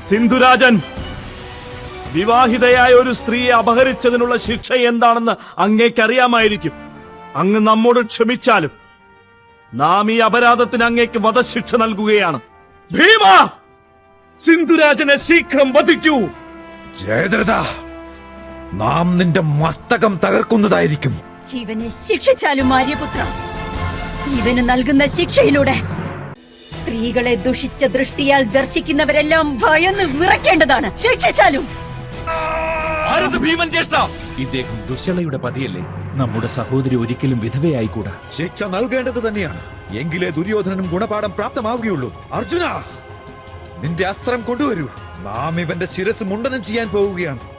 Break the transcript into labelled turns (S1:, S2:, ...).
S1: സിന്ധുരാജൻ, വിവാഹിതയായ ഒരു സ്ത്രീയെ അപഹരിച്ചതിനുള്ള ശിക്ഷ എന്താണെന്ന് അങ്ങേക്കറിയാമായിരിക്കും. അങ്ങ് നമ്മോട് ക്ഷമിച്ചാലും നാം ഈ അപരാധത്തിന് അങ്ങേക്ക് വധശിക്ഷ നൽകുകയാണ്. ഭീമ, സിന്ധുരാജനെ ശീഘ്രം വധിക്കൂ.
S2: ജയദ്രഥ, നാം നിന്റെ മസ്തകം തകർക്കുന്നതായിരിക്കും.
S3: ഇവനെ ശിക്ഷിച്ചാലും ആര്യപുത്ര, ഇവന് നൽകുന്ന ശിക്ഷയിലൂടെ സ്ത്രീകളെ ദുഷിച്ച ദൃഷ്ടിയാൽ ദർശിക്കുന്നവരെല്ലാം ഭയന്ന് വിറയ്ക്കേണ്ടതാണ്. ശിക്ഷിച്ചാലും.
S1: ഭീമൻ ജ്യേഷ്ഠ,
S4: ഇദ്ദേഹം ദുശ്ശളയുടെ പതിയല്ലേ? നമ്മുടെ സഹോദരി ഒരിക്കലും വിധവയായിക്കൂടാ.
S2: ശിക്ഷ നൽകേണ്ടത് തന്നെയാണ്. എങ്കിലേ ദുര്യോധനനും ഗുണപാഠം പ്രാപ്തമാവുകയുള്ളൂ. അർജുന, നിന്റെ അസ്ത്രം കൊണ്ടുവരൂ. നാം ഇവന്റെ ശിരസ് മുണ്ടനം ചെയ്യാൻ പോവുകയാണ്.